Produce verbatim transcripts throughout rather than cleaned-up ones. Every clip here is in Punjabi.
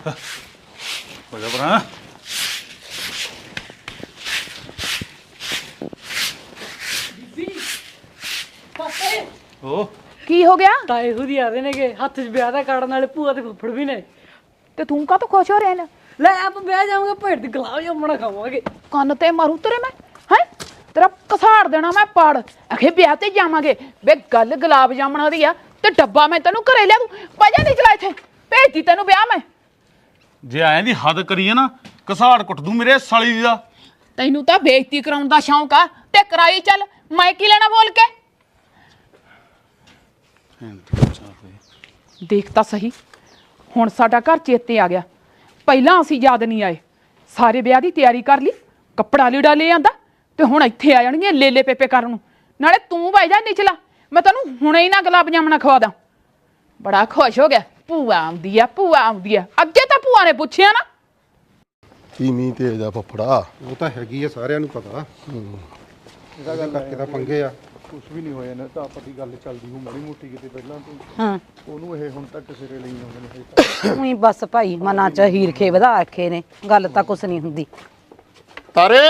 ਹੋ ਜਾ ਭਰਾ ਉਹ ਕੀ ਹੋ ਗਿਆ? ਤਾਏ ਖੁਦ ਹੀ ਆ ਰਹੇ ਨੇਗੇ ਹੱਥ 'ਚ ਵਿਆਹ ਦਾ ਕਾਰਡ ਨਾਲੇ ਭੂਆ ਤੇ ਫੁੱਫੜ ਵੀ ਨੇ। ਤੇ ਤੂੰ ਕਾ ਤੋਂ ਖੁਸ਼ ਹੋ ਰਿਹਾ ਨਾ? ਲੈ ਆਪਾਂ ਵਿਆਹ ਜਾਵਾਂਗੇ ਭੇਡ ਦੀ ਗੁਲਾਬ ਜਾਮਣਾ ਖਾਵਾਂਗੇ। ਕੰਨ ਤੇ ਮਾਰੂ ਤੇਰੇ ਮੈਂ ਹੈ ਤੇਰਾ ਕਸਾੜ ਦੇਣਾ ਮੈਂ ਪਾੜ ਅਖੇ ਵਿਆਹ ਤੇ ਜਾਵਾਂਗੇ ਵੇ ਗੱਲ ਗੁਲਾਬ ਜਾਮਣਾ ਦੀ ਆ ਤੇ ਡੱਬਾ ਮੈਂ ਤੈਨੂੰ ਘਰੇ ਲਿਆ ਦੂੰ ਵਜਾ ਨਹੀਂ ਚਲਾ ਇੱਥੇ ਭੇਜਦੀ ਤੈਨੂੰ ਵਿਆਹ ਮੈਂ ਜੇ ਐਂ ਦੀ ਹੱਦ ਕਰੀਏ ਨਾ ਕਸਾੜ ਕੁੱਟ ਦੂੰ ਮੇਰੇ ਸਾਲੀ ਦਾ। ਤੈਨੂੰ ਤਾਂ ਬੇਇੱਜ਼ਤੀ ਕਰਾਉਣ ਦਾ ਸ਼ੌਂਕ ਆ ਤੇ ਕਰਾਈ ਚੱਲ ਮੈਂ ਕੀ ਲੈਣਾ ਬੋਲ ਕੇ ਦੇਖ ਤਾਂ ਸਹੀ ਹੁਣ ਸਾਡਾ ਘਰ ਚੇਤੇ ਆ ਗਿਆ ਪਹਿਲਾਂ ਅਸੀਂ ਯਾਦ ਨਹੀਂ ਆਏ ਸਾਰੇ ਵਿਆਹ ਦੀ ਤਿਆਰੀ ਕਰ ਲਈ ਕੱਪੜਾ ਲੀੜਾ ਲੈ ਆਂਦਾ ਤੇ ਹੁਣ ਇੱਥੇ ਆ ਜਾਣਗੀਆਂ ਲੇਲੇ ਪੇਪੇ ਕਰਨ ਨੂੰ ਨਾਲੇ ਤੂੰ ਬਹਿ ਜਾ ਨਿਚਲਾ ਮੈਂ ਤੈਨੂੰ ਹੁਣੇ ਹੀ ਨਾ ਗੁਲਾਬ ਜਾਮਣਾ ਖਵਾ ਦਾਂ ਬੜਾ ਖੁਸ਼ ਹੋ ਗਿਆ ਭੂਆ ਆਉਂਦੀ ਆ ਭੂਆ ਆਉਂਦੀ ਆ ਅੱਗੇ ਤਾਂ ਭੂਆ ਨੇ ਪੁੱਛਿਆ ਨਾ ਤੀਵੀਂ ਤੇਜ ਆ ਫੱਫੜਾ ਉਹ ਤਾਂ ਹੈਗੀ ਆ ਸਾਰਿਆਂ ਨੂੰ ਪਤਾ ਇਹਦਾ ਗੱਲ ਕਰਕੇ ਤਾਂ ਪੰਗੇ ਆ ਕੁਝ ਵੀ ਨਹੀਂ ਹੋਇਆ ਨਾ ਤਾਂ ਆਪਾਂ ਦੀ ਗੱਲ ਚੱਲਦੀ ਹੋ ਮਾੜੀ ਮੋਟੀ ਕਿਤੇ ਪਹਿਲਾਂ ਤੋਂ ਹਾਂ ਉਹਨੂੰ ਇਹ ਹੁਣ ਤੱਕ ਸਿਰੇ ਲਈ ਆਉਂਦੇ ਨੇ ਉਹੀ ਬਸ ਭਾਈ ਮਨਾਂ ਚ ਹੀਰਖੇ ਵਧਾ ਰੱਖੇ ਨੇ ਗੱਲ ਤਾਂ ਕੁਛ ਨਹੀਂ ਹੁੰਦੀ ਤਾਰੇ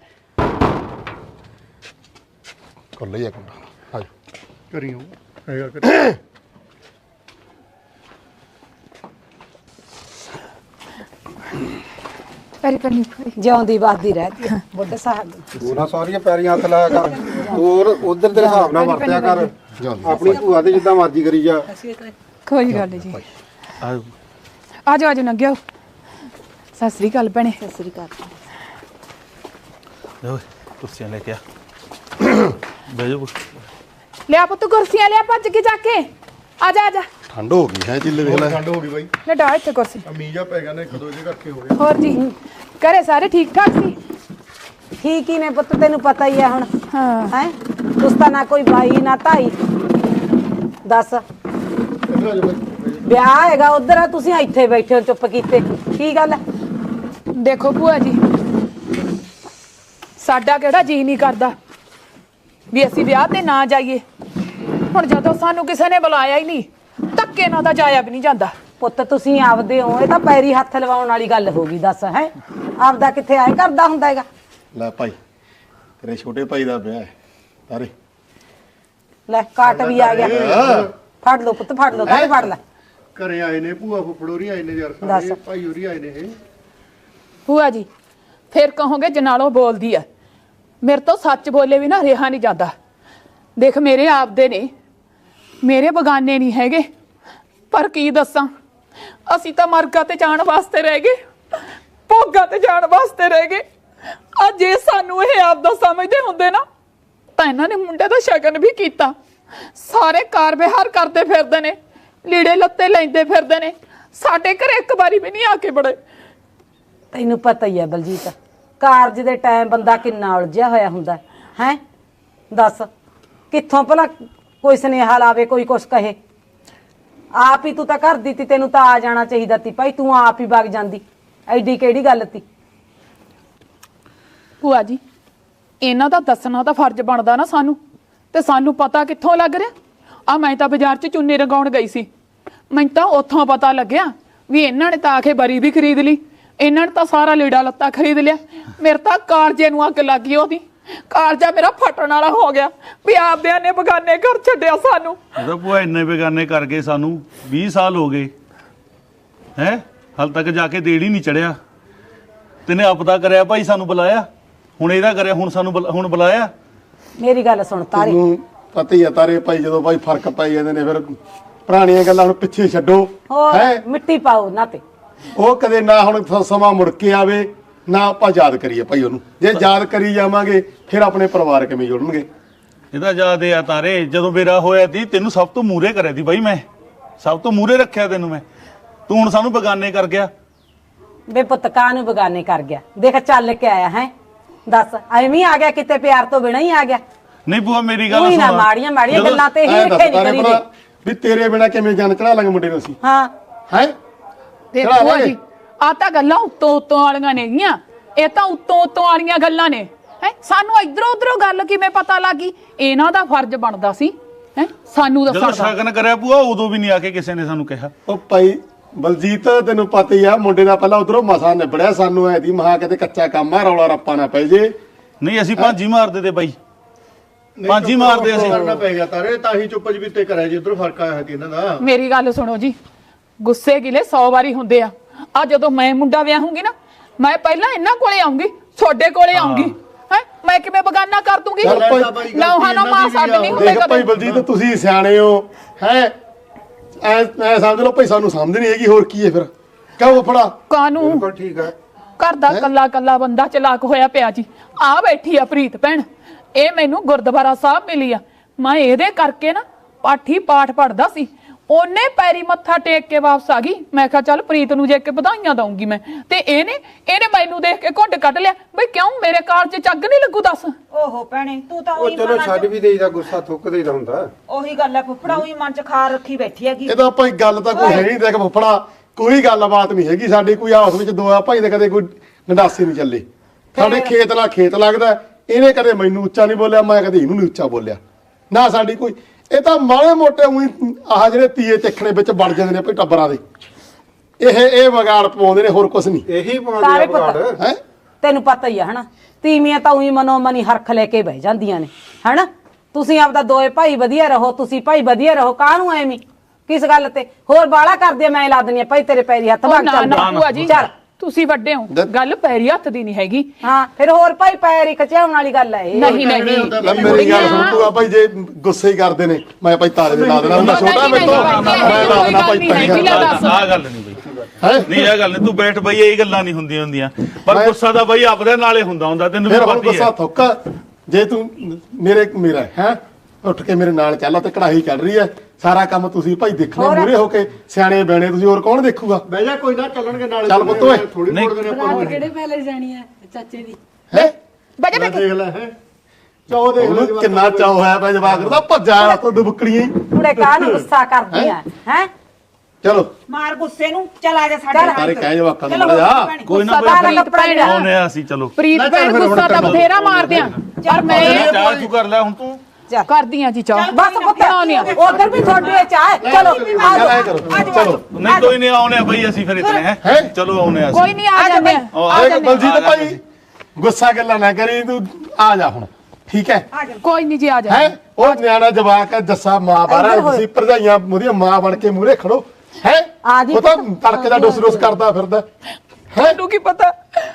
ਕਰ ਲਈ ਇੱਕ ਮਿੰਟ ਆ ਜਾ ਕਰੀਓ ਹੈਗਾ ਕਰੀ ਪੈਰੀ ਪੈਰੀ ਜਿਉਂਦੀ ਵੱਸਦੀ ਰਹਦੀ ਆ ਬੁੱਢੇ ਸਾਹਿਬ ਤੂੰ ਨਾ ਸਾਰੀਆਂ ਪੈਰੀਆਂ ਹੱਥ ਲਾਇਆ ਕਰ ਹੋਰ ਉਧਰ ਦੇ ਹਿਸਾਬ ਨਾਲ ਵਰਤਿਆ ਕਰ ਆਪਣੀ ਭੂਆ ਦੇ ਜਿੱਦਾਂ ਮਰਜ਼ੀ ਕਰੀ ਜਾ ਕੋਈ ਗੱਲ ਨਹੀਂ ਜੀ ਆ ਜਾਓ ਆ ਜਾਓ ਨੰਗਿਓ ਸਤਿ ਸ੍ਰੀ ਅਕਾਲ ਭੈਣੇ ਸਤਿ ਸ੍ਰੀ ਅਕਾਲ ਓਏ ਕੁਰਸੀਆਂ ਲੈ ਕੇ ਆ ਬਹਿ ਜਾ ਲਿਆ ਪੁੱਤ ਕੁਰਸੀਆਂ ਲਿਆ ਭੱਜ ਕੇ ਜਾ ਕੇ ਆ ਜਾ ਆ ਜਾ ਠੰਡ ਹੋ ਗਈ ਹੈ ਚਿੱਲੇ ਦੇਖ ਲੈ ਠੰਡ ਹੋ ਗਈ ਬਾਈ ਲੈ ਡਾ ਇੱਥੇ ਕੁਰਸੀ ਮੀਂਹ ਪੈ ਗਿਆ ਨੇ ਖਦੋ ਜੇ ਕਰਕੇ ਹੋ ਗਿਆ ਹੋਰ ਜੀ ਘਰੇ ਸਾਰੇ ਠੀਕ ਠਾਕ ਸੀ ਠੀਕ ਹੀ ਨੇ ਪੁੱਤ ਤੈਨੂੰ ਪਤਾ ਹੀ ਆ ਹੁਣ ਹਾਂ ਹੈ ਉਸ ਤਾਂ ਨਾ ਕੋਈ ਬਾਈ ਨਾ ਤਾਈ ਦੱਸ ਇੱਧਰ ਆ ਜਾ ਬਾਈ ਵਿਆਹ ਹੈਗਾ ਉਧਰ ਆ ਤੁਸੀਂ ਇੱਥੇ ਬੈਠੇ ਹੋ ਚੁੱਪ ਕੀਤੇ ਕੀ ਗੱਲ ਹੈ ਦੇਖੋ ਭੂਆ ਜੀ ਸਾਡਾ ਕਿਹੜਾ ਜੀ ਨਹੀਂ ਕਰਦਾ ਵੀ ਅਸੀਂ ਵਿਆਹ ਤੇ ਨਾ ਜਾਈਏ ਹੁਣ ਜਦੋਂ ਸਾਨੂੰ ਕਿਸੇ ਨੇ ਬੁਲਾਇਆ ਹੀ ਨਹੀਂ ਧੱਕੇ ਨਾਲ ਤਾਂ ਜਾਇਆ ਵੀ ਨਹੀਂ ਜਾਂਦਾ ਪੁੱਤ ਤੁਸੀਂ ਆਪਦੇ ਹੋ ਇਹ ਤਾਂ ਪੈਰੀ ਹੱਥ ਲਵਾਉਣ ਵਾਲੀ ਗੱਲ ਹੋ ਗਈ ਦੱਸ ਹੈ ਆਪਦਾ ਕਿੱਥੇ ਆਏ ਕਰਦਾ ਹੁੰਦਾ ਹੈਗਾ ਲੈ ਭਾਈ ਤੇਰੇ ਛੋਟੇ ਭਾਈ ਦਾ ਵਿਆਹ ਹੈ ਤਾਰੇ ਲੈ ਕਾਟ ਵੀ ਆ ਗਿਆ ਫੜ ਲਓ ਪੁੱਤ ਫੜ ਲਓ ਤਾਰੇ ਫੜ ਲੈ ਘਰੇ ਆਏ ਨੇ ਭੂਆ ਫੁੱਫੜੋਰੀ ਆਏ ਨੇ ਯਾਰ ਦੱਸ। ਸਾਰੇ ਭਾਈ ਹੋਰੀ ਆਏ ਨੇ ਇਹ ਭੂਆ ਜੀ ਫਿਰ ਕਹੋਗੇ ਜਨਾਲੋ ਬੋਲਦੀ ਆ ਮੇਰੇ ਤੋਂ ਸੱਚ ਬੋਲੇ ਵੀ ਨਾ ਰਿਹਾ ਨਹੀਂ ਜਾਂਦਾ ਦੇਖ ਮੇਰੇ ਆਪਦੇ ਨੇ ਮੇਰੇ ਬਗਾਨੇ ਨਹੀਂ ਹੈਗੇ ਪਰ ਕੀ ਦੱਸਾਂ ਅਸੀਂ ਤਾਂ ਮਰਗਾ ਤੇ ਜਾਣ ਵਾਸਤੇ ਰਹਿ ਗਏ ਭੋਗਾ ਤੇ ਜਾਣ ਵਾਸਤੇ ਰਹਿ ਗਏ ਆ ਜੇ ਸਾਨੂੰ ਇਹ ਆਪਦਾ ਸਮਝਦੇ ਹੁੰਦੇ ਨਾ ਤਾਂ ਇਹਨਾਂ ਨੇ ਮੁੰਡੇ ਦਾ ਸ਼ਗਨ ਵੀ ਕੀਤਾ ਸਾਰੇ ਕਾਰ ਵਿਹਾਰ ਕਰਦੇ ਫਿਰਦੇ ਨੇ ਲੀੜੇ ਲੱਤੇ ਲੈਂਦੇ ਫਿਰਦੇ ਨੇ ਸਾਡੇ ਘਰੇ ਇੱਕ ਵਾਰੀ ਵੀ ਨਹੀਂ ਆ ਕੇ ਬੜੇ ਤੈਨੂੰ ਪਤਾ ਹੀ ਹੈ ਬਲਜੀਤ ਕਾਰਜ ਦੇ ਟਾਈਮ ਬੰਦਾ ਕਿੰਨਾ ਉਲਝਿਆ ਹੋਇਆ ਹੁੰਦਾ ਹੈ ਦੱਸ ਕਿੱਥੋਂ ਭਲਾ ਕੋਈ ਸੁਨੇਹਾ ਲਾਵੇ ਕੋਈ ਕੁਛ ਕਹੇ ਆਪ ਹੀ ਤੂੰ ਤਾਂ ਘਰ ਦੀ ਤੀ ਤੈਨੂੰ ਤਾਂ ਆ ਜਾਣਾ ਚਾਹੀਦਾ ਤੀ ਭਾਈ ਤੂੰ ਆਪ ਹੀ ਵਗ ਜਾਂਦੀ ਐਡੀ ਕਿਹੜੀ ਗੱਲ ਤੀ ਭੂਆ ਜੀ ਇਹਨਾਂ ਦਾ ਦੱਸਣਾ ਤਾਂ ਫਰਜ਼ ਬਣਦਾ ਨਾ ਸਾਨੂੰ ਤੇ ਸਾਨੂੰ ਪਤਾ ਕਿੱਥੋਂ ਲੱਗ ਰਿਹਾ ਆ ਮੈਂ ਤਾਂ ਬਾਜ਼ਾਰ 'ਚ ਚੁੰਨੀ ਰੰਗਾਉਣ ਗਈ ਸੀ ਮੈਨੂੰ ਤਾਂ ਉੱਥੋਂ ਪਤਾ ਲੱਗਿਆ ਵੀ ਇਹਨਾਂ ਨੇ ਤਾਂ ਆਖੇ ਬਰੀ ਵੀ ਖਰੀਦ ਲਈ ਇਹਨਾਂ ਨੇ ਤਾਂ ਸਾਰਾ ਲੀੜਾ ਲੱਤਾ ਖਰੀਦ ਲਿਆ ਮੇਰੇ ਤਾਂ ਕਾਲਜੇ ਨੂੰ ਅੱਗ ਲੱਗ ਗਈ ਉਹਦੀ ਕਾਲਜਾ ਮੇਰਾ ਫਟਣ ਵਾਲਾ ਹੋ ਗਿਆ ਵੀ ਆਪਦਿਆਂ ਨੇ ਬਗਾਨੇ ਘਰ ਛੱਡਿਆ ਸਾਨੂੰ ਇਹਦਾ ਭੂਆ ਇੰਨੇ ਬੇਗਾਨੇ ਕਰ ਗਏ ਸਾਨੂੰ ਵੀਹ ਸਾਲ ਹੋ ਗਏ ਹੈ ਹਾਲ ਤੱਕ ਜਾ ਕੇ ਦੇੜ ਹੀ ਨਹੀਂ ਚੜਿਆ ਤੈਨੇ ਆਪਦਾ ਕਰਿਆ ਭਾਈ ਸਾਨੂੰ ਬੁਲਾਇਆ ਹੁਣ ਇਹਦਾ ਕਰਿਆ ਹੁਣ ਸਾਨੂੰ ਬੁਲਾ- ਹੁਣ ਬੁਲਾਇਆ ਮੇਰੀ ਗੱਲ ਸੁਣ ਤਾਰੇ ਤੈਨੂੰ ਪਤਾ ਹੀ ਆ ਤਾਰੇ ਭਾਈ ਜਦੋਂ ਭਾਈ ਫਰਕ ਪੈ ਜਾਂਦੇ ਨੇ ਫਿਰ ਪੁਰਾਣੀਆਂ ਗੱਲਾਂ ਹੁਣ ਪਿੱਛੇ ਛੱਡੋ ਹੋਰ ਹੈ ਮਿੱਟੀ ਪਾਓ ਨਾ ਤੇ ਉਹ ਕਦੇ ਨਾ ਹੁਣ ਸ- ਸਮਾਂ ਮੁੜ ਕੇ ਆਵੇ ਨਾ ਆਪਾਂ ਯਾਦ ਕਰੀਏ ਭਾਈ ਉਹਨੂੰ ਜੇ ਯਾਦ ਕਰੀ ਜਾਵਾਂਗੇ ਫਿਰ ਆਪਣੇ ਪਰਿਵਾਰ ਕਿਵੇਂ ਜੁੜਨਗੇ ਇਹਦਾ ਯਾਦ ਆ ਤਾਰੇ ਜਦੋਂ ਮੇਰਾ ਹੋਇਆ ਸੀ ਤੈਨੂੰ ਸਭ ਤੋਂ ਮੂਹਰੇ ਕਰਿਆ ਸੀ ਬਾਈ ਮੈਂ ਸਭ ਤੋਂ ਮੂਹਰੇ ਰੱਖਿਆ ਤੈਨੂੰ ਮੈਂ ਤੂੰ ਹੁਣ ਸਾਨੂੰ ਬੇਗਾਨੇ ਕਰ ਗਿਆ ਬੇ ਪੁੱਤ ਕਾਹ ਨੂੰ ਬਗਾਨੇ ਕਰ ਗਿਆ ਦੇਖ ਚੱਲ ਕੇ ਆਇਆ ਹੈ ਦੱਸ ਐਵੇਂ ਆ ਗਿਆ ਕਿਤੇ ਪਿਆਰ ਤੋਂ ਬਿਨਾਂ ਹੀ ਆ ਗਿਆ ਨਹੀਂ ਭੂਆ ਮੇਰੀ ਗੱਲ ਉਹੀ ਨਾ ਸੁਣ ਮਾੜੀਆਂ ਮਾੜੀਆਂ ਜਦੋਂ- ਗੱਲਾਂ ਤੇ ਹੀ ਐਂ ਰੱਖੇ ਦੱਸ ਨਹੀਂ ਤਾਰੇ ਕਰੀਦੇ ਭਰਾ ਵੀ ਤੇਰੇ ਬਿਨਾ ਕਿਵੇਂ ਜਾਨ ਚੜਾ ਲਾਂਗੇ ਮੁੰਡੇ ਨੂੰ ਅਸੀਂ ਹਾਂ ਹੈ ਤੇ ਚੜਾ ਭੂਆ ਲਾਂਗੇ। ਜੀ ਆ ਤਾਂ ਗੱਲਾਂ ਉੱਤੋਂ ਉੱਤੋਂ ਵਾਲੀਆਂ ਨੇਗੀਆਂ ਇਹ ਤਾਂ ਉੱਤੋਂ ਉੱਤੋਂ ਵਾਲੀਆਂ ਗੱਲਾਂ ਨੇ ਹੈ ਸਾਨੂੰ ਇਧਰੋਂ ਉਧਰੋਂ ਗੱਲ ਕਿਵੇਂ ਪਤਾ ਲੱਗੀ ਇਹਨਾਂ ਦਾ ਫਰਜ਼ ਬਣਦਾ ਸੀ ਹੈ ਸਾਨੂੰ ਜਦੋਂ ਦੱਸਣ ਦਾ ਸ਼ਗਨ ਕਰਿਆ ਭੂਆ ਉਦੋਂ ਵੀ ਨਹੀਂ ਆ ਕੇ ਕਿਸੇ ਨੇ ਸਾਨੂੰ ਕਿਹਾ ਉਹ ਭਾਈ ਬਲਜੀਤ ਤੈਨੂੰ ਪਤਾ ਹੀ ਆ ਮੁੰਡੇ ਦਾ ਪਹਿਲਾਂ ਉਧਰੋਂ ਮਸਾ ਨਿਬੜਿਆ ਸਾਨੂੰ ਐ ਦੀ ਮਹਾ ਕਿਤੇ ਕੱਚਾ ਕੰਮ ਆ ਰੌਲਾ ਰੱਪਾ ਨਾ ਪੈ ਜੇ ਨਹੀਂ ਅਸੀਂ ਭਾਂਜੀ ਮਾਰਦੇ ਤੇ ਬਾਈ ਭਾਂਜੀ ਮਾਰਦੇ ਅਸੀਂ ਕਰਨਾ ਪੈ ਗਿਆ ਤਾਰੇ ਤਾਂ ਹੀ ਚੁੱਪ ਜਬੀਤੇ ਕਰਿਆ ਜੀ ਉਧਰ ਫਰਕ ਆਇਆ ਸੀ ਇਹਨਾਂ ਦਾ ਮੇਰੀ ਗੱਲ ਸੁਣੋ ਜੀ ਗੁੱਸੇ ਗਿਲੇ ਸੌ ਵਾਰੀ ਹੁੰਦੇ ਆ ਆ ਜਦੋਂ ਮੈਂ ਮੁੰਡਾ ਵਿਆਹੂੰਗੀ ਨਾ ਮੈਂ ਪਹਿਲਾਂ ਇਹਨਾਂ ਕੋਲੇ ਆਉਂਗੀ ਤੁਹਾਡੇ ਕੋਲੇ ਆਉਂਗੀ ਹੈ ਮੈਂ ਕਿਵੇਂ ਬਗਾਨਾ ਕਰ ਦੂੰਗੀ ਨੌਹਾਂ ਨਾ ਮਾਂ ਛੱਡ ਨਹੀਂ ਹੁੰਦੇ ਦੇਖ ਭਾਈ ਬਲਜੀਤ ਤੁਸੀਂ ਸਿਆਣੇ ਹੋ ਹੈ ਐ ਐ ਸਮਝ ਲਓ ਭਾਈ ਸਾਨੂੰ ਸਮਝ ਨਹੀਂ ਹੈਗੀ ਹੋਰ ਕੀ ਹੈ ਫਿਰ ਕਹੋ ਫੜਾ ਕਾਨੂੰ ਬਿਲਕੁਲ ਠੀਕ ਹੈ ਘਰ ਦਾ ਕੱਲਾ ਕੱਲਾ ਬੰਦਾ ਚਲਾਕ ਹੋਇਆ ਪਿਆ ਜੀ ਆ ਬੈਠੀ ਆ ਪ੍ਰੀਤ ਭੈਣ ਇਹ ਮੈਨੂੰ ਗੁਰਦੁਆਰਾ ਸਾਹਿਬ ਮਿਲੀ ਆ ਮੈਂ ਇਹਦੇ ਕਰਕੇ ਨਾ ਪਾਠੀ ਪਾਠ ਪੜਦਾ ਸੀ ਉਹਨੇ ਪੈਰੀ ਮੱਥਾ ਟੇਕ ਕੇ ਵਾਪਸ ਆ ਗਈ ਮੈਂ ਕਿਹਾ ਚੱਲ ਪ੍ਰੀਤ ਨੂੰ ਜੇ ਕੇ ਵਧਾਈਆਂ ਦਊਂਗੀ ਮੈਂ ਤੇ ਇਹਨੇ ਇਹਨੇ ਮੈਨੂੰ ਦੇਖ ਕੇ ਘੁੱਟ ਕੱਢ ਲਿਆ ਬਈ ਕਿਉਂ ਮੇਰੇ ਕਾਲ 'ਚ ਚੱਗ ਨਹੀਂ ਲੱਗੂ ਦੱਸ ਓਹੋ ਭੈਣੇ ਤੂੰ ਤਾਂ ਉਹ ਉਹੀ ਚਲੋ ਮਨ ਛੱਡ ਵੀ ਦੇਈਦਾ ਗੁੱਸਾ ਥੁੱਕ ਦੇਈਦਾ ਹੁੰਦਾ ਉਹੀ ਗੱਲ ਹੈ ਫੁੱਫੜਾ ਉਹੀ ਮਨ ਚ ਖਾਰ ਰੱਖੀ ਬੈਠੀ ਹੈਗੀ ਇਹਦਾ ਭਾਈ ਗੱਲ ਤਾਂ ਕੋਈ ਹੈ ਨਹੀਂ ਦੇਖ ਫੁੱਫੜਾ ਕੋਈ ਗੱਲਬਾਤ ਨਹੀਂ ਹੈਗੀ ਸਾਡੀ ਕੋਈ ਆਪਸ ਵਿੱਚ ਦੋ ਆ ਭਾਈ ਦੇ ਕਦੇ ਕੋਈ ਗੰਡਾਸੀ ਨਹੀਂ ਚੱਲੇ ਸਾਡੇ ਖੇਤ ਨਾਲ ਖੇਤ ਲੱਗਦਾ ਇਹਨੇ ਕਦੇ ਮੈਨੂੰ ਉੱਚਾ ਨਹੀਂ ਬੋਲਿਆ ਮੈਂ ਕਦੇ ਇਹਨੂੰ ਨਹੀਂ ਉੱਚਾ ਬੋਲਿਆ ਨਾ ਸਾਡੀ ਕੋਈ ਇਹ ਤਾਂ ਮਾੜੇ ਮੋਟੇ ਉਹੀ ਆਹ ਜਿਹੜੇ ਤੀਏ ਤਿੱਖਣੇ ਵਿੱਚ ਵੜ ਜਾਂਦੇ ਨੇ ਭਾਈ ਟੱਬਰਾਂ ਦੇ ਇਹ ਇਹ ਵਿਗਾੜ ਪਾਉਂਦੇ ਨੇ ਹੋਰ ਕੁਝ ਨਹੀਂ ਇਹੀ ਪਾਉਂਦੇ ਤਾਰੇ ਆ ਬਾੜ ਪੁੱਤ ਹੈ ਤੈਨੂੰ ਪਤਾ ਹੀ ਆ ਹਨਾ ਤੀਵੀਆਂ ਤਾਂ ਉਹੀ ਮਨੋ ਮਨੀ ਹਰਖ ਲੈ ਕੇ ਬਹਿ ਜਾਂਦੀਆਂ ਨੇ ਹਨਾ ਤੁਸੀਂ ਆਪਦਾ ਦੋਏ ਭਾਈ ਵਧੀਆ ਰਹੋ ਤੁਸੀਂ ਭਾਈ ਵਧੀਆ ਰਹੋ ਕਾਹਨੂੰ ਐਵੇਂ ਕਿਸ ਗੱਲ ਤੇ ਹੋਰ ਬਾਲਾ ਕਰਦੇ ਮੈਂ ਲਾ ਦਿੰਦੀ ਆ ਭਾਈ ਤੇਰੇ ਪੈਰੀ ਹੱਥ ਉਹ ਭਾਗ ਨਾ ਚੱਲ ਨਾ ਭੂਆ ਜੀ ਚੱਲ ਤੁਸੀਂ ਵੱਡੇ ਹੋ ਗੱਲ ਪੈਰੀ ਹੱਥ ਦੀ ਨਹੀਂ ਹੈਗੀ ਹਾਂ ਫਿਰ ਹੋਰ ਭਾਈ ਪੈਰ ਹੀ ਖਚਾਉਣ ਵਾਲੀ ਗੱਲ ਹੈ ਇਹ ਨਹੀਂ ਨਹੀਂ ਲੈ ਮੇਰੀ ਗੱਲ ਸੁਣ ਤੂੰ ਆ ਭਾਈ ਜੇ ਗੁੱਸੇ ਹੀ ਕਰਦੇ ਨੇ ਮੈਂ ਭਾਈ ਤਾਰੇ ਦੇ ਲਾ ਦੇਣਾ ਹੁੰਦਾ ਛੋਟਾ ਮੇਰੇ ਤੋਂ ਮੈਂ ਲਾ ਦੇਣਾ ਭਾਈ ਪੈਰੀ ਆਹ ਗੱਲ ਨਹੀਂ ਬਈ ਹੈ ਨਹੀਂ ਇਹ ਗੱਲ ਨਹੀਂ ਤੂੰ ਬੈਠ ਬਈ ਇਹ ਗੱਲਾਂ ਨਹੀਂ ਹੁੰਦੀਆਂ ਹੁੰਦੀਆਂ ਪਰ ਗੁੱਸਾ ਤਾਂ ਬਈ ਆਪਦੇ ਨਾਲੇ ਹੁੰਦਾ ਹੁੰਦਾ ਤੈਨੂੰ ਵੀ ਫਿਰ ਹੁਣ ਪਤਾ ਹੀ ਗੁੱਸਾ ਹੈ ਥੁੱਕ ਜੇ ਤੂੰ ਮੇਰੇ ਮੇਰਾ ਹੈ ਉੱਠ ਕੇ ਮੇਰੇ ਨਾਲ ਚੱਲ ਤੇ ਕੜਾਹੀ ਚੱਲ ਰਹੀ ਹੈ ਸਾਰਾ ਕੰਮ ਤੁਸੀਂ ਭਾਈ ਦੇਖਣੇ ਮੂਰੇ ਹੋ ਕੇ ਸਿਆਣੇ ਬੈਣੇ ਤੁਸੀਂ ਹੋਰ ਕੌਣ ਦੇਖੂਗਾ ਬਹਿ ਜਾ ਕੋਈ ਨਾ ਚੱਲਣਗੇ ਨਾਲ ਚੱਲ ਪੁੱਤ ਓਏ। ਥੋੜੀ ਨਹੀਂ। ਮੋੜ ਦੇਣੇ ਆਪਾਂ ਨੂੰ ਕਿਹੜੇ ਪਹਿਲੇ ਜਾਣੀ ਹੈ ਚਾਚੇ ਦੀ ਹੈ ਬਜੇ ਲੈ ਦੇਖ ਲੈ ਹੈ ਚਾਹ ਦੇਖ ਲੈ ਉਹਨੂੰ ਕਿੰਨਾ ਚਾਅ ਹੋਇਆ ਪਿਆ ਜਵਾਕ ਦਾ ਭੱਜਾ ਤੋਂ ਦੁਬਕੜੀਆਂ ਕੁੜੇ ਕਾਹਨੂੰ ਗੁੱਸਾ ਕਰਦੀਆਂ ਹੈ ਚਲੋ ਮਾਰ ਗੁੱਸੇ ਨੂੰ ਚਲ ਆ ਜਾ ਸਾਡੇ ਸਾਰੇ ਕਹਿ ਜਵਾਕਾਂ ਨੂੰ ਚਲੋ ਮੜ ਜਾ ਭੈਣੇ। ਕੋਈ ਨਾ ਗੁੱਸਾ ਕੋਈ ਤਾਂ ਕੱਪੜਾ ਜਿਹੜਾ ਆਉਨੇ ਆ ਅਸੀਂ ਚਲੋ ਪ੍ਰੀਤ ਭੈਣ ਗੁੱਸਾ ਤਾਂ ਬਥੇਰਾ ਮਾਰਦੇ ਆ ਪਰ ਮੈਂ ਚਾਹ ਤੂੰ ਕਰ ਲੈ ਹੁਣ ਤੂੰ ਕਰਦੀ ਆ ਜੀ ਚਾਹ ਬਸ ਪੁੱਤ ਆਉਣੀ ਆ ਉਧਰ ਵੀ ਤੁਹਾਡੇ ਚਾਹ ਚਲੋ ਆ ਚੱਲ ਐ ਜਾਓ ਕਰੋ ਚਲੋ ਨਹੀਂ ਕੋਈ ਨਹੀਂ ਆਉਨੇ ਆ ਬਈ ਅਸੀਂ ਫਿਰ ਇਤਨੇ ਹੈ ਹੈਂ? ਚਲੋ ਆਉਨੇ ਆ ਕੋਈ ਅਸੀਂ ਨਹੀਂ ਆ ਜਾਂਦੇ ਆ ਉਹ ਆ ਆ ਆਏ ਜਾਂਦੇ ਬਲਜੀਤ ਭਾਈ ਗੁੱਸਾ ਗੱਲਾਂ ਨਾ ਕਰੀ ਤੂੰ ਆ ਜਾ ਹੁਣ ਠੀਕ ਹੈ ਕੋਈ ਨਹੀਂ ਜੀ ਆ ਜਾ ਹੈ ਉਹ ਨਿਆਣਾ ਜਵਾਕ ਹੈ ਜੱਸਾ ਮਾਂ ਬਾਰਾ ਤੁਸੀਂ ਭਰਜਾਈਆਂ ਉਹਦੀਆਂ ਮਾਂ ਬਣ ਕੇ ਮੂਰੇ ਖੜੋ ਹੈ ਆ ਜੀ ਉਹ ਤਾਂ ਤੜਕੇ ਦਾ ਡੁੱਸ ਡੁੱਸ ਕਰਦਾ ਫਿਰਦਾ ਹੈ ਮੈਨੂੰ ਕੀ ਪਤਾ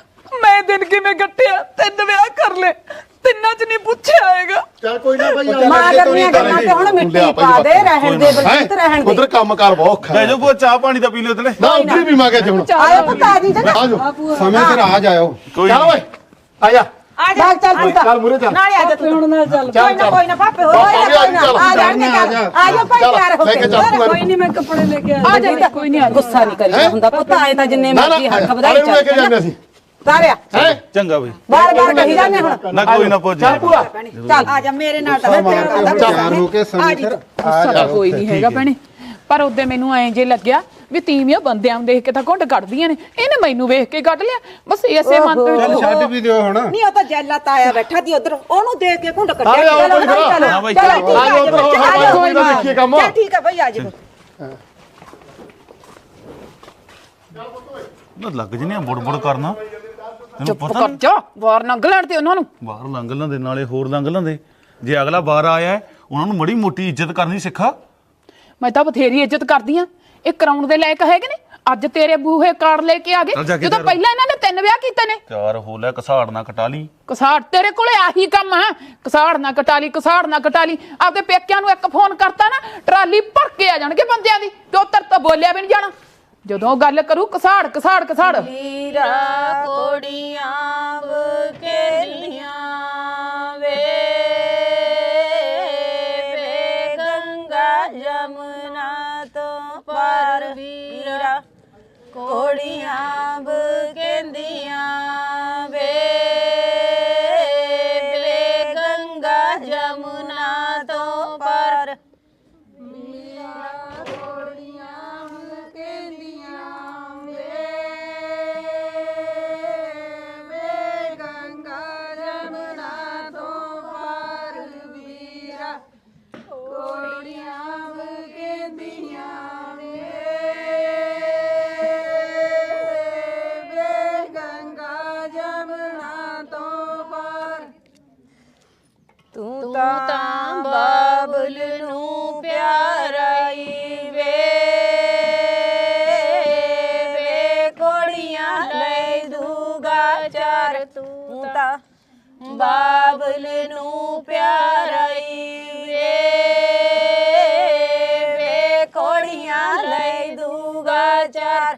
ਮੈਂ ਦਿਨ ਕਿਵੇਂ ਕੱਟਿਆ ਤਿੰਨ ਵਿਆਹ ਕਰ ਲੈ ਤਿੰਨਾਂ ਚ ਨਹੀਂ ਪੁੱਛਿਆ ਹੈਗਾ ਚੱਲ ਕੋਈ ਨਾ ਭਾਈ ਮਾਂ ਕਰਨੀਆਂ ਗੱਲਾਂ ਤੇ ਹੁਣ ਮਿੱਟੀ ਪਾ ਦੇ ਰਹਿਣ ਦੇ ਬਲਜੀਤ ਰਹਿਣ ਦੇ ਉਧਰ ਕੰਮ ਕਾਰ ਬਹੁਤ ਔਖਾ ਲੈ ਹੈ ਜੋ ਕੋ ਚਾਹ ਪਾਣੀ ਦਾ ਪੀ ਲਿਓ ਤਲੇ ਨਾ ਉਧਰ ਵੀ ਮਾਗੇ ਹੁਣ ਆਇਆ ਪੁੱਤ ਆ ਜੀ ਜਨਾ ਆ ਜਾਓ ਸਮੇਂ ਸਿਰ ਆ ਜਾਇਓ ਕੋਈ ਚੱਲ ਓਏ ਆ ਜਾ ਆ ਜਾ ਚੱਲ ਚੱਲ ਪੁੱਤ ਚੱਲ ਮੂਰੇ ਚੱਲ ਨਾਲੇ ਆ ਜਾ ਤੂੰ ਹੁਣ ਨਾਲ ਚੱਲ ਕੋਈ ਨਾ ਕੋਈ ਨਾ ਪਾਪੇ ਹੋਰ ਕੋਈ ਨਾ ਕੋਈ ਨਾ ਆ ਜਾਣਗੇ ਚੱਲ ਆ ਜਾ ਭਾਈ ਪਿਆਰ ਹੋ ਲੈ ਕੇ ਕੇ ਚੱਲ ਤੂੰ ਕੋਈ ਨਹੀਂ ਮੈਂ ਕੱਪੜੇ ਲੈ ਕੇ ਆ ਜਾ ਕੋਈ ਨਹੀਂ ਆ ਜਾ ਗੁੱਸਾ ਨਹੀਂ ਕਰੀਦਾ ਹੁੰਦਾ ਪੁੱਤ ਆਏ ਤਾਂ ਜਿੰਨੇ ਨਾ ਨਾ ਮਰਜ਼ੀ ਹੱਥ ਆਲੇ ਵਧਾਈ ਨੂੰ ਲੈ ਕੇ ਜਾਂਦੇ ਚੱਲ ਅਸੀਂ ਤਾਰਿਆ ਹੈ ਚੰਗਾ ਬਈ ਬਾਰ ਬਾਰ ਕਹੀ ਜਾਂਦੇ ਹੁਣ ਨਾ ਕੋਈ ਨਾ ਪੁੱਛ ਚੱਲ ਪੂਰਾ ਚੱਲ ਆ ਜਾ ਮੇਰੇ ਨਾਲ ਤਾਂ ਮੈਂ ਤੇਰਾ ਨਾਲ ਤਿਆਰ ਹੋ ਕੇ ਸਮੇਂ ਸਿਰ ਗੁੱਸਾ ਤਾਂ ਕੋਈ ਨਹੀਂ ਹੈਗਾ ਭੈਣੇ ਪਰ ਉਹਦੇ ਮੈਨੂੰ ਐਂ ਜੇ ਲੱਗਿਆ ਵੀ ਤੀਵੀਆਂ ਬੰਦਿਆਂ ਨੂੰ ਦੇਖ ਕੇ ਤਾਂ ਘੁੰਡ ਕੱਢਦੀਆਂ ਨੇ ਇਹਨੇ ਮੈਨੂੰ ਵੇਖ ਕੇ ਕੱਢ ਲਿਆ ਬਸ ਇਸੇ ਮਨ ਦੇ ਚੱਲ ਵਿੱਚ ਛੱਡ ਵੀ ਦਿਓ ਹੁਣ ਨਹੀਂ ਉਹ ਤਾਂ ਜੈਲਾ ਤਾਇਆ ਬੈਠਾ ਦੀ ਉਧਰ ਉਹਨੂੰ ਦੇਖ ਕੇ ਘੁੰਡ ਆਲੇ ਕੱਢਿਆ ਆਓ ਭਾਈ ਖੜਾ ਹਾਂ ਬਾਈ ਚਲੋ ਚਲੋ ਆ ਜਾਓ ਉਧਰ ਹੋ ਹਾਂ ਕੋਈ ਨਾ ਦੇਖੀਏ ਕੰਮ ਚੱਲ ਠੀਕ ਹੈ ਭਈ ਆ ਜਾ ਨਾ ਲੱਗ ਜਨੇ ਬੁੜ ਬੁੜ ਕਰਨਾ ਤੈਨੂੰ ਚੁੱਪ ਪਤਾ ਕਰ ਜਾ ਬਾਹਰ ਲੰਘ ਲੈਣ ਤੇ ਉਹਨਾਂ ਨੂੰ ਬਾਹਰ ਲੰਘ ਲੈਂਦੇ ਨਾਲੇ ਹੋਰ ਲੰਘ ਲੈਂਦੇ ਜੇ ਅਗਲਾ ਬਾਹਰ ਆਇਆ ਹੈ, ਉਹਨਾਂ ਨੂੰ ਮੜੀ ਮੋਟੀ ਇੱਜ਼ਤ ਕਰਨੀ ਸਿੱਖਾ ਮੈਂ ਤਾਂ ਬਥੇਰੀ ਇੱਜ਼ਤ ਕਰਦੀ ਆ ਇਹ ਕਰਾਉਣ ਦੇ ਲਾਇਕ ਹੈਗੇ ਨੇ ਅੱਜ ਤੇਰੇ ਬੂਹੇ ਕਾਰਡ ਲੈ ਕੇ ਆ ਚੱਲ ਜਾ ਗਏ ਕੇ ਜਦੋਂ ਤਿਆਰ ਹੋ। ਪਹਿਲਾਂ ਇਹਨਾਂ ਨੇ ਤਿੰਨ ਵਿਆਹ ਕੀਤੇ ਨੇ ਚਾਰ ਹੋ ਲੈ ਕਸਾੜ ਨਾ ਕਟਾ ਲਈ ਕਸਾੜ ਤੇਰੇ ਕੋਲੇ ਆਹੀ ਕੰਮ ਆ ਕਸਾੜ ਨਾ ਕਟਾਲੀ ਕਸਾੜ ਨਾ ਕਟਾਲੀ ਆਪਦੇ ਪੇਕਿਆਂ ਨੂੰ ਇੱਕ ਫੋਨ ਕਰਤਾ ਨਾ ਟਰਾਲੀ ਭਰ ਕੇ ਆ ਜਾਣਗੇ ਬੰਦਿਆਂ ਦੀ ਤੇ ਉੱਤਰ ਤਾਂ ਬੋਲਿਆ ਵੀ ਨਹੀਂ ਜਾਣਾ ਜਦੋਂ ਗੱਲ ਕਰੂ ਕਸਾੜ ਕਸਾੜ ਕਸਾੜ ਹੀਰਾ ਕੋੜੀਆਂ ਬਕੇਲੀਆਂ ਵੇ ਵੇ ਗੰਗਾ ਜਮਨਾ ਤੋਂ ਪਾਰ ਵੀਰਾ ਕੋੜੀਆਂ ਬਕੇਂਦੀਆਂ ਵੇ ਵੇ ਗੰਗਾ ਜਮਨਾ ਤੋਂ ਪਾਰ ਪਰ ਤੂੰ ਤਾਂ ਬਾਬਲ ਨੂੰ ਪਿਆਰਾ ਈ ਵੇ ਵੇ ਕੋੜੀਆਂ ਲੈ ਦੂਗਾ ਚਾਰ।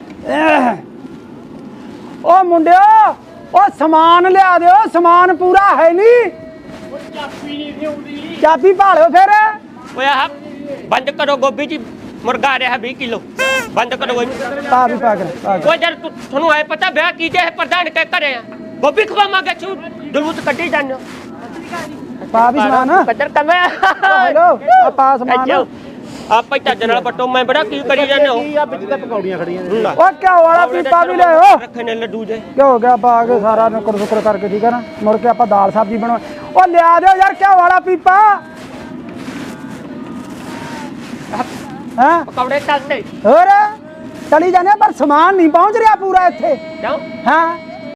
ਓ ਮੁੰਡਿਓ ਓ ਸਮਾਨ ਲਿਆ ਦਿਓ, ਸਮਾਨ ਪੂਰਾ ਹੈ ਨਹੀਂ। ਚਾਬੀ ਨਹੀਂ ਲਿਆਉਂਦੀ, ਚਾਬੀ ਭਾਲਿਓ ਫਿਰ। ਓਏ ਆਹ ਬੰਦ ਕਰੋ ਗੋਭੀ ਜੀ, ਮੁਰਗਾ ਆ ਰਿਹਾ ਵੀਹ ਕਿਲੋ ਬੰਦ ਕਰੋ। ਪਾ ਵੀ ਪਾ ਕੇ ਪਾ ਕੇ। ਓਏ ਜਦ ਤੁ- ਤੁਹਾਨੂੰ ਐ ਪਤਾ ਵਿਆਹ ਕੀਤੇ ਹੈ ਪ੍ਰਧਾਨ ਕੇ ਘਰੇ ਆ ਗੋਭੀ ਖਵਾਵਾਂਗੇ ਛੂ ਜਲੂਸ ਕੱਢੀ ਜਾਂਦੇ ਹੋ। ਪਾ ਵੀ ਸਮਾਨ। ਕੱਢਰ ਕਮੇ ਹੈਲੋ ਆ ਪਾ ਸਮਾਨ। ਆਪਾਂ ਚੱਜ ਨਾਲ ਪੱਟੋ ਮੈਂ ਬੜਾ ਕੀ ਕਰੀ ਜਾਂਦੇ ਹੋ। ਕੀ ਆ ਵਿੱਚ ਤੇ ਪਕੌੜੀਆਂ ਖੜੀਆਂ ਨੇ। ਓ ਘਿਓ ਵਾਲਾ ਪੀਪਾ ਵੀ ਲਿਆਓ। ਰੱਖੇ ਨੇ ਲੱਡੂ ਜੇ ਕੀ ਹੋ ਗਿਆ ਪਾ ਕੇ ਸਾਰਾ ਨੁਕਰ ਨੁਕਰ ਕਰਕੇ, ਠੀਕ ਹੈ ਨਾ। ਮੁੜ ਕੇ ਆਪਾਂ ਦਾਲ ਸਬਜ਼ੀ ਬਣਾ। ਓ ਲਿਆ ਦਿਓ ਯਾਰ ਘਿਓ ਵਾਲਾ ਪੀਪਾ। ਹਾਂ ਪਕੌੜੇ ਚੱਲਦੇ ਹੋਰ ਚਲੀ ਜਾਂਦੇ ਪਰ ਸਮਾਨ ਨਹੀਂ ਪਹੁੰਚ ਰਿਹਾ ਪੂਰਾ ਇੱਥੇ। ਕਿਉਂ? ਹਾਂ